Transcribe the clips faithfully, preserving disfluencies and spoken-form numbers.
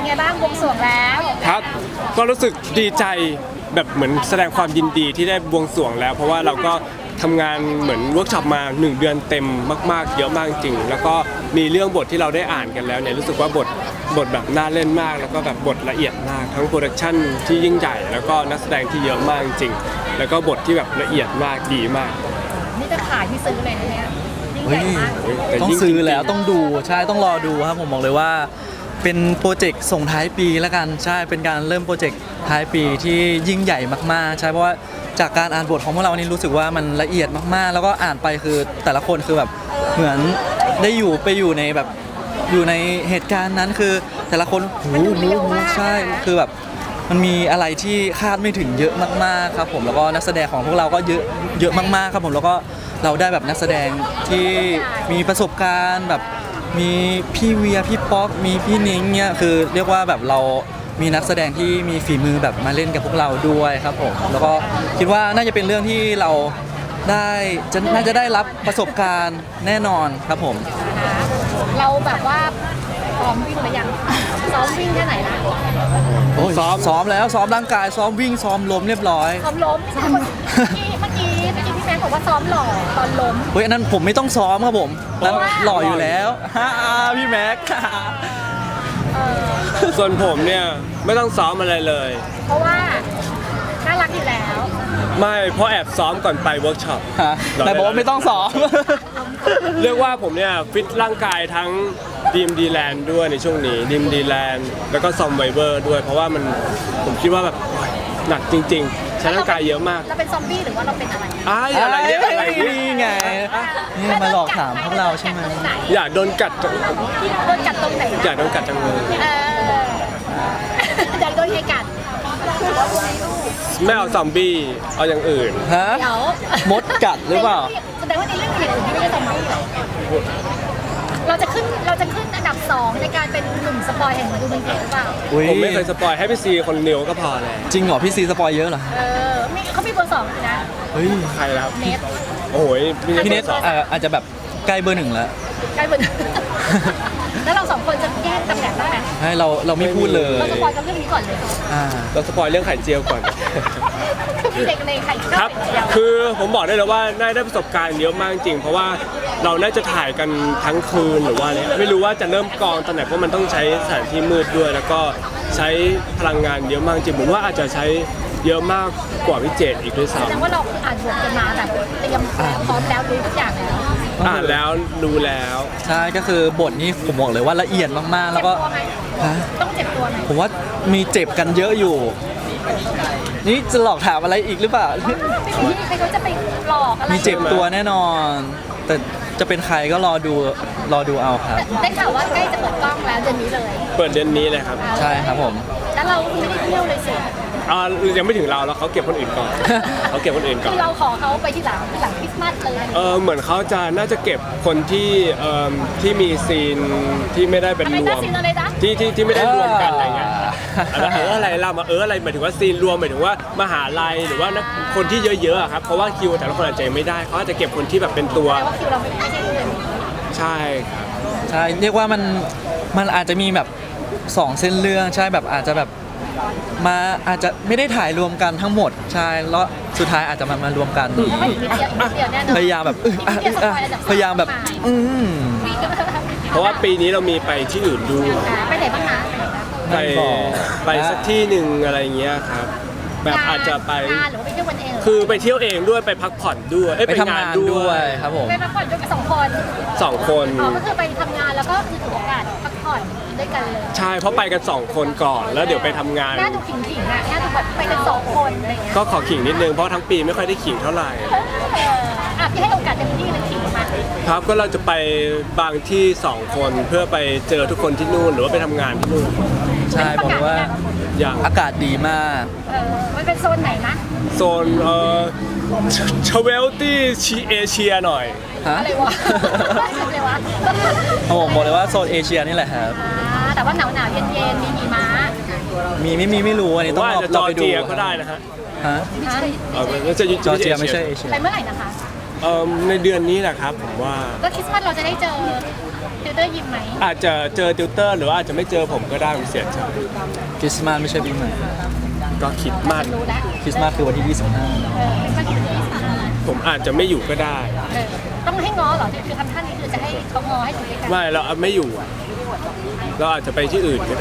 ไงบ้างบวงสรวงแล้วครับก็รู้สึกดีใจแบบเหมือนแสดงความยินดีที่ได้บวงสรวงแล้วเพราะว่าเราก็ทำงานเหมือนเวิร์กช็อปมาหนึ่งเดือนเต็มมากๆเยอะมากจริงแล้วก็มีเรื่องบทที่เราได้อ่านกันแล้วเนี่ยรู้สึกว่าบทบทแบบน่าเล่นมากแล้วก็แบบบทละเอียดมากทั้งโปรดักชั่นที่ยิ่งใหญ่แล้วก็นักแสดงที่เยอะมากจริงแล้วก็บทที่แบบละเอียดมากดีมากนี่จะขายที่ซื้อเลยนะเนี่ยยิ่งใหญ่มากต้องซื้อแล้วต้องดูใช่ต้องรอดูครับผมบอกเลยว่าเป็นโปรเจกต์ส่งท้ายปีแล้วกันใช่เป็นการเริ่มโปรเจกต์ท้ายปีที่ยิ่งใหญ่มากๆใช่เพราะว่าจากการอ่านบทของพวกเรานี่รู้สึกว่ามันละเอียดมากๆแล้วก็อ่านไปคือแต่ละคนคือแบบเหมือนได้อยู่ไปอยู่ในแบบอยู่ในเหตุการณ์นั้นคือแต่ละคนหูหูหูใช่คือแบบมันมีอะไรที่คาดไม่ถึงเยอะมากๆครับผมแล้วก็นักแสดงของพวกเราก็เยอะเยอะมากๆครับผมแล้วก็เราได้แบบนักแสดงที่มีประสบการณ์แบบมีพี่เวียพี่ป๊อกมีพี่นิ้งเนี่ยคือเรียกว่าแบบเรามีนักแสดงที่มีฝีมือแบบมาเล่นกับพวกเราด้วยครับผมแล้วก็คิดว่าน่าจะเป็นเรื่องที่เราได้จะน่าจะได้รับประสบการณ์แน่นอนครับผมเราแบบว่าซ้อมวิ่งหรือยังซ้อมวิ่งแค่ไหนนะซ้อมซ้อมแล้วซ้อมร่างกายซ้อมวิ่งซ้อมล้มเรียบร้อยซ้อมล้มเมื่อกี้เมื่อกี้เมื่อกี้พี่แม็กบอกว่าซ้อมหล่อตอนล้มเฮ้ยอันนั้นผมไม่ต้องซ้อมครับผมนั้นหล่ออยู่แล้วฮ่าพี่แม็กส่วนผมเนี่ยไม่ต้องซ้อมอะไรเลยเพราะว่าน่ารักอยู่แล้วไม่เพราะแอบซ้อมก่อนไปเวิร์กช็อปแต่บอกว่าไม่ต้องซ้อมเรียกว่าผมเนี่ยฟิตร่างกายทั้งดีมดีแลนด์ด้วยในช่วงนี้ดีมดีแลนด์แล้วก็ซอมไวเวอร์ด้วยเพราะว่ามันผมคิดว่าแบบหนักจริงๆใช้ร่างกายเยอะมากเราเป็นซอมบี้หรือว่าเราเป็นอะไรอ้ายอะไรเนี่ยอะไรนี่ไงนี่มาหลอกถามพวกเราใช่ไหมอยากโดนกัดโดนกัดตรงไหนอยากโดนกัดจังเลยอยากโดนใครกัดไม่เอาซอมบี้เอาอย่างอื่นฮะมดกัดหรือเปล่าแสดงว่าในเรื่องอื่นที่ไม่ใช่ซอมบี้เราจะขึ้นเราจะขึ้นอันดับสองในการเป็นหนุ่มสปอยแห่งดูมันเกตหรือเปล่าผมไม่เคยสปอยให้พี่ซีคนเดียวก็พอเลยจริงเหรอพี่ซีสปอยเยอะเหรอเออมีเขามีเบอร์สองนะเฮ้ยใครครับเน็ตโอ้ยพี่เน็ตอาจจะแบบใกล้เบอร์หนึ่งแล้วใกล้เบอร์แล้วเราสองคนจะแยกตำแหน่งได้ไหมให้เราเราไม่พูดเลยเราสปอยกันเรื่องนี้ก่อนเลยอ่าเราสปอยเรื่องไข่เจียวก่อนมีเด็กในไข่ครับคือผมบอกได้เลยว่าน่าได้ประสบการณ์เยอะมากจริงเพราะว่าเราน่าจะถ่ายกันทั้งคืนหรือว่าเนี่ยไม่รู้ว่าจะเริ่มกองตอนไหนเพราะมันต้องใช้สถานที่มืดด้วยแล้วก็ใช้พลังงานเยอะมากจริงผมว่าอาจจะใช้เยอะมากกว่าวิเจตอีกด้วยซ้ำแสดงว่าเราอ่านบทกันมาแบบเตรียมพร้อมแล้วรู้ทุกอย่างแล้วอ่านแล้วรู้แล้วใช่ก็คือบทนี้ผมบอกเลยว่าละเอียดมากๆแล้วก็ต้องเจ็บตัวไหมผมว่ามีเจ็บกันเยอะอยู่นี่จะหลอกถามอะไรอีกหรือเปล่าไม่ใครเขาจะไปหลอกอะไรมีเจ็บตัวแน่นอนแต่จะเป็นใครก็รอดูรอดูเอาครับได้ข่าวว่าใกล้จะเปิดกล้องแล้วเดือนนี้เลยเปิดเดือนนี้เลยครับใช่ครับผมแล้วเราไม่ได้เที่ยวเลยสิอ่ายังไม่ถึงเราแล้วเขาเก็บคนอื่นก่อนเขาเก็บคนอื่นก่อนคือเราขอเขาไปที่หลังที่หลังคริสต์มาสเลยเออเหมือนเขาจะน่าจะเก็บคนที่เอ่อที่มีซีนที่ไม่ได้เป็นรวมที่ที่ที่ไม่ได้รวมกันอะไรเงี้ยเอออะไรล่ะมาเอออะไรหมายถึงว่าซีนรวมหมายถึงว่ามหาลัยหรือว่าคนที่เยอะๆครับเพราะว่าคิวแต่ละคนอาจจะไม่ได้เขาอาจจะเก็บคนที่แบบเป็นตัวแต่ว่าคิวเราไม่ใช่เดือนใช่ครับใช่เรียกว่ามันมันอาจจะมีแบบสองเส้นเรื่องใช่แบบอาจจะแบบมาอาจจะไม่ได้ถ่ายรวมกันทั้งหมดใช่แล้วสุดท้ายอาจจะมามารวมกันพยายามแบบพยายามแบบอืมเพราะว่าปีนี้เรามีไปที่อื่นดูไปไหนบ้างนะไปไปสักที่หนึ่งอะไรเงี้ยครับแบบอาจจะไปคือไปเที่ยวเองด้วยไปพักผ่อนด้วยไปทำงานด้วยครับผมไปพักผ่อนด้วยกันสองคนสองคนอ๋อก็คือไปทำงานแล้วก็คือถือโอกาสพักผ่อนด้วยกันเลยใช่เพราะไปกันสองคนก่อนแล้วเดี๋ยวไปทำงานน่าดูขิงขิงอ่ะน่าดูแบบไปกันสองคนอะไรเงี้ยก็ขอขิงนิดนึงเพราะทั้งปีไม่ค่อยได้ขิงเท่าไหร่อ่ะพี่ให้โอกาสเต็มที่เลยขิงมาครับก็เราจะไปบางที่สองคนเพื่อไปเจอทุกคนที่นู่นหรือว่าไปทำงานที่นู่นใช่บอกว่าอากาศดีมากเออมันเป็นโซนไหนนะโซนเอ่อชเวลตี้ชีเอเชียหน่อยฮะอะไรวะอะไรวะโอ้บอกเลยว่าโซนเอเชียนี่แหละครับแต่ว่าหนาวหนาวเย็นเย็นมีหิมะมีไม่มีไม่รู้อันนี้ต้องเราไปดูก็ได้นะฮะฮะเออจะจอร์เจียไม่ใช่เอเชียไปเมื่อไหร่นะคะเอ่อในเดือนนี้แหละครับผมว่าแล้วคริสต์มาสเราจะได้เจอติวเตอร์ยิมไหมอาจจะเจอติวเตอร์หรือว่าอาจจะไม่เจอผมก็ได้ผมเสียใจคริสต์มาสไม่ใช่ปีใหม่ก็คิดมันรู้แล้วคริสต์มาสคือวันที่ยี่สิบห้าเออเป็นวันที่ที่สามผมอาจจะไม่อยู่ก็ได้เออต้องให้ง้อเหรอคือทำท่านี้คือจะให้เขาง้อให้ถูกกันไม่เราไม่อยู่ เราอาจจะไปที่อื่นก็ได้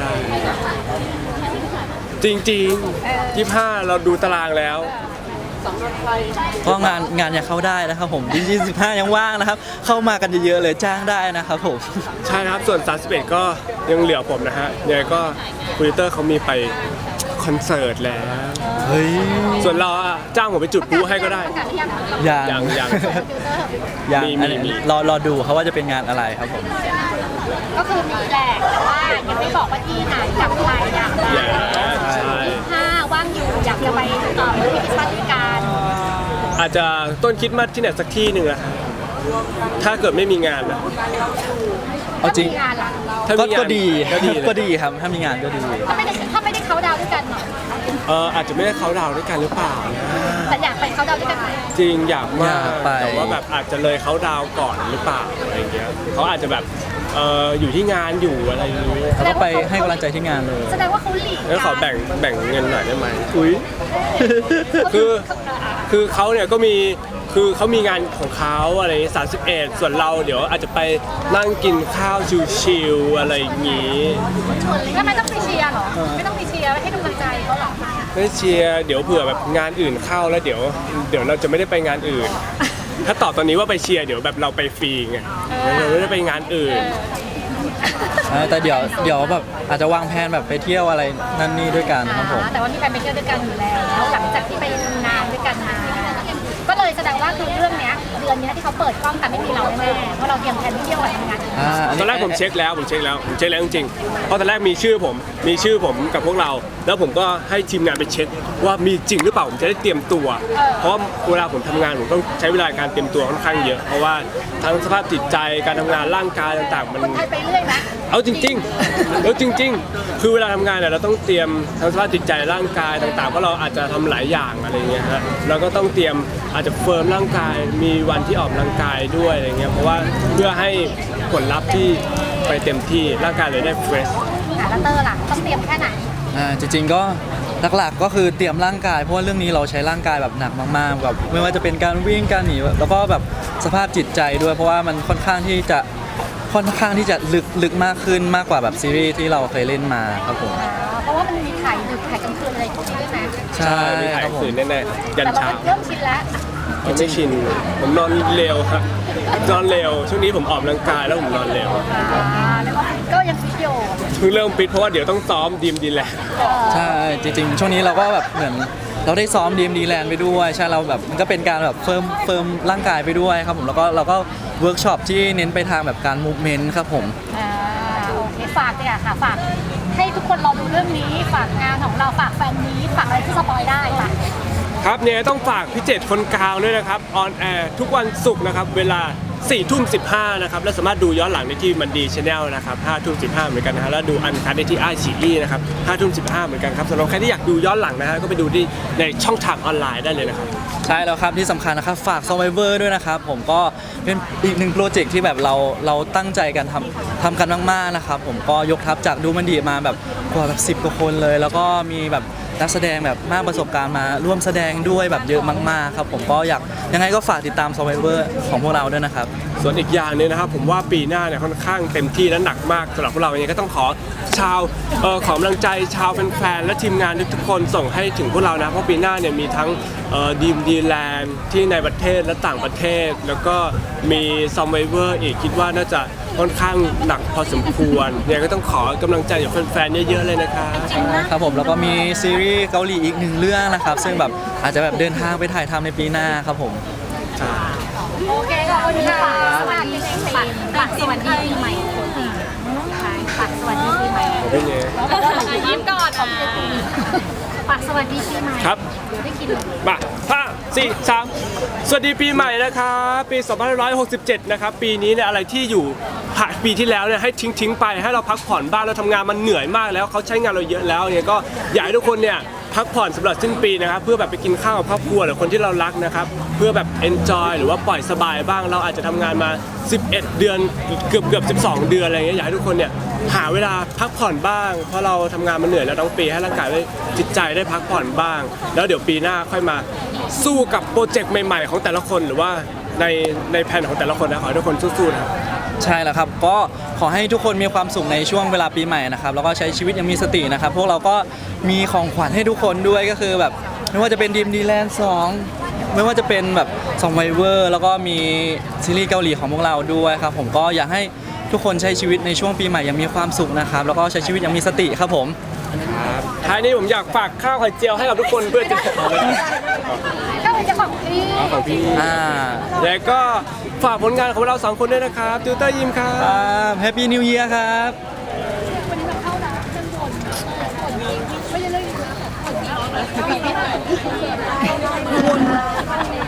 จริงๆยี่ห้าเราดูตารางแล้วก็งานงานยังเข้าได้นะครับผมยี่สิบห้ายังว่างนะครับ เข้ามากันเยอะๆเลยจ้างได้นะครับผมใช่ครับส่วนสามสิบเอ็ดก็ยังเหลือผมนะฮะยังไงก็คุยเตอร์เขามีไปคอนเสิร์ตแล้วเฮ้ยส่วนเราอะจ้างผมไปจุดพลุให้ก็ได้ประกาศหรือยังยังยังยังติวเตอร์ยังมีอันนี้มีรอรอดูเขาว่าจะเป็นงานอะไรครับผมก็คือมีแหละแต่ว่ายังไม่บอกว่าที่ไหนกับใครอยากไปอย่าใช่ห้าว่างอยู่อยากจะไปต่อที่คริสต์มาสด้วยกันอาจจะต้นคริดมาสที่ไหนสักที่หนึ่งอะถ้าเกิดไม่มีงานนะเอาจริงถ้มีงานล่ะถ้าก็มีงานก็ดีก็ดีเลยก็ดีครับถ้ามีงานก็ดีถ้าไม่ได้ถ้าไม่ได้เขาดาวน์ด้วยกันหรอกเอออาจจะไม่ได้เขาดาวน์ด้วยกันหรือเปล่านะแต่อยากไปเขาดาวน์ด้วยกันไหมจริงอยากมากอยากไปแต่ว่าแบบอาจจะเลยเขาดาวน์ก่อนหรือเปล่าอะไรเงี้ยเขาอาจจะแบบเอออยู่ที่งานอยู่อะไรอย่างเงี้ยแล้วก็ไปให้กำลังใจที่งานเลยแสดงว่าเขาหลีกแล้วขอแบ่งแบ่งเงินหน่อยได้ไหมอุ้ยคือ คือเขาเนี่ยก็มีคือเขามีงานของเขาอะไรสามสิบเอ็ดส่วนเราเดี๋ยวอาจจะไปนั่งกินข้าวชิวๆอะไรอย่างงี้ทำไมต้องไปเชียร์เหรอไม่ต้องไปเชียร์ให้กำลังใจเขาหรอไม่เชียร์เดี๋ยวเผื่อแบบงานอื่นเข้าแล้วเดี๋ยว เดี๋ยวเราจะไม่ได้ไปงานอื่น ถ้าตอบตอนนี้ว่าไปเชียร์เดี๋ยวแบบเราไปฟรีไงเราไม่ได้ไปงานอื่นเออแต่เดี๋ยวเดี๋ยวแบบอาจจะวางแผนแบบไปเที่ยวอะไรนั่นนี่ด้วยกันครับผมแต่ว่ามีการไปเที่ยวด้วยกันอยู่แล้วหลังจากที่ไปทำงานด้วยกันมา ก็เลยแสดงว่าคือเรื่องเนี้ยเดือนเนี้ยที่เขาเปิดกล้องกันไม่มีเราแน่ๆเพราะเราเตรียมแผนที่เที่ยวกับทำงานอ่าตอนแรกผมเช็คแล้วผมเช็คแล้วผมเช็คแล้วจริงๆเพราะตอนแรกมีชื่อผมมีชื่อผมกับพวกเรา แล้วผมก็ให้ทีมงานไปเช็คว่ามีจริงหรือเปล่าผมจะได้เตรียมตัว เพราะเวลาผมทำงานผมต้องใช้เวลาการเตรียมตัวค่อนข้างเยอะเพราะว่าทั้งสภาพจิตใจการทำงานร่างกายต่างๆมันคนไทยไปเรื่อยนะเอาจริงๆแล้วจริง ๆ คือเวลาทำงานเนี่ยเราต้องเตรียมทั้งสภาพจิตใจร่างกายต่างๆเพราะเราอาจจะทำหลายอย่างอะไรเงี้ยฮะเราก็ต้องเตรียมอาจจะเฟิร์มร่างกายมีวันที่ออกกำลังกายด้วยอะไรเงี้ยเพราะว่าเพื่อให้ผลลัพธ์ที่ไปเต็มที่ร่างกายเลยได้เฟรชอ่ะแล้วเตอร์ล่ะต้องเตรียมแค่ไหนอ่าจริงๆก็หลักๆก็คือเตรียมร่างกายเพราะว่าเรื่องนี้เราใช้ร่างกายแบบหนักมากๆแบบไม่ว่าจะเป็นการวิ่งการหนีแล้วก็แบบสภาพจิตใจด้วย เพราะว่ามันค่อนข้างที่จะค่อนข้างที่จะลึกลึกมากขึ้นมากกว่าแบบซีรีส์ที่เราเคยเล่นมาครับผมอ่าเพราะว่ามันมีถ่ายดึกถ่ายกลางคืนอะไรพวกนี้ด้วยนะใช่มีถ่ายครับผมคืนแน่ๆยันแต่เราเช้าเริ่มชินแล้วผมไม่ชินผมนอนเร็วครับนอนเร็วช่วงนี้ผมออกกำลังกายแล้วผมนอนเร็วอ่าแล้วก็ก็ยังฟิตอยู่เพิ่งเริ่มปิดเพราะว่าเดี๋ยวต้องซ้อมดีมดีแลนด์ใช่จริงๆ ช่วงนี้เราก็แบบเหมือนเราได้ซ้อมดีมดีแลนด์ไปด้วยใช่เราแบบมันก็เป็นการแบบเฟิร์มเฟิร์มร่างกายไปด้วยครับผมแล้วก็เราก็เวิร์กช็อปที่เน้นไปทางแบบการมูฟเมนต์ครับผมอ่าโอเคฝากเลยอะค่ะฝากให้ทุกคนรอดูเรื่องนี้ฝากงานของเราฝากแฟนนี้ฝากอะไรที่สปอยได้ค่ะครับเนี่ยต้องฝากพี่เจตคนกลางด้วยนะครับออนแอร์ทุกวันศุกร์นะครับเวลาสี่ทุ่มสิบห้านะครับและสามารถดูย้อนหลังได้ที่มันดีชาแนลนะครับห้าทุ่มสิบห้าเหมือนกันนะฮะแล้วดูอันคัดได้ที่ไอชีอีนะครับห้าทุ่มสิบห้าเหมือนกันครับสำหรับใครที่อยากดูย้อนหลังนะฮะก็ไปดูที่ในช่องทางออนไลน์ได้เลยนะครับใช่แล้วครับที่สำคัญนะครับฝาก Survivor ด้วยนะครับผมก็เป็นอีกหนึ่งโปรเจกต์ที่แบบเราเราตั้งใจกันทำทำกันมากๆนะครับผมก็ยกทัพจากดูมันดีมาแบบกว่าแบบสิบกว่าคนเลย แล้วก็มีแบบนักแสดงแบบมากประสบการณ์มาร่วมแสดงด้วยแบบเยอะมากๆครับผมก็อยากยังไงก็ฝากติดตาม Survivor ของพวกเราด้วยนะครับส่วนอีกอย่างหนึงนะครับผมว่าปีหน้าเนี่ยค่อนข้างเต็มที่และหนักมากสำหรับพวกเราอย่างนี้ก็ต้องขอชาวเอ่อขอกำลังใจชาวแฟนๆและทีมงานทุกๆคนส่งให้ถึงพวกเรานะเพราะปีหน้าเนี่ยมีทั้งดีมดีแลนด์ที่ในประเทศและต่างประเทศ แล้วก็มีซัมไวเวอร์อีกคิดว่าน่าจะค่อนข้างหนักพอสมควรเนี่ยก็ต้องขอกำลังใจจากแฟนๆเยอะๆเลยนะครับครับผมแล้วก็มีซีรีส์เกาหลีอีกหนึ่งเรื่องนะครับ ซึ่งแบบอาจจะแบบเดินทางไปถ่ายทำในปีหน้าครับผมโอเคขอบคุณค่ะสวัสดีปีฝากสวัสดีปีใหม่ฝากสวัสดีปีใหม่เป็นไงยิ้มก่อนฝากสวัสดีปีใหม่ครับได้กินมาห้าสี่สามสวัสดีปีใหม่นะครับปีสองพันห้าร้อยหกสิบเจ็ดนะครับปีนี้เนี่ยอะไรที่อยู่ผ่านปีที่แล้วเนี่ยให้ทิ้งทิ้งๆไปให้เราพักผ่อนบ้างเราทำงานมันเหนื่อยมากแล้วเขาใช้งานเราเยอะแล้วเนี่ยก็อยากให้ทุกคนเนี่ยพักผ่อนสำหรับสิ้นปีนะครับเพื่อแบบไปกินข้าวกับครอบครัวหรือคนที่เรารักนะครับเพื่อแบบ enjoy หรือว่าปล่อยสบายบ้างเราอาจจะทำงานมาสิบเอ็ดเดือนเกือบเกือบสิบสองเดือนอะไรเงี้ยอยากให้ทุกคนเนี่ยหาเวลาพักผ่อนบ้างเพราะเราทำงานมาเหนื่อยแล้วทั้งปีให้ร่างกายได้จิตใจได้พักผ่อนบ้าง แล้วเดี๋ยวปีหน้าค่อยมาสู้กับโปรเจกต์ใหม่ๆของแต่ละคนหรือว่าในในแผนของแต่ละคนนะขอให้ทุกคนสู้ๆนะครับใช่แล้วครับก็ขอให้ทุกคนมีความสุขในช่วงเวลาปีใหม่นะครับแล้วก็ใช้ชีวิตอยังมีสตินะครับพวกเราก็มีของขวัญให้ทุกคนด้วยก็คือแบบไม่ว่าจะเป็นดีมดีแลนด์สองไม่ว่าจะเป็นแบบสองไวเวอร์แล้วก็มีซีรีส์เกาหลีของพวกเราด้วยครับผมก็อยากให้ทุกคนใช้ชีวิตในช่วงปีใหม่อย่างมีความสุขนะครับแล้วก็ใช้ชีวิตอย่างมีสติครับผมท้ายนี้ผมอยากฝากข้าวไข่เจียวให้กับทุกคนเพื่อจะก็เลยจะของพี่ของพี่อ่าแล้วก็ฝากผลงานของเราสองคนด้วยนะครับติวเตอร์ยิมครับแฮปปี้นิวเยียร์ครับวันนี้เราเข้าแล้วเรื่องบนบนไม่ใช่เรื่องนี้นะบน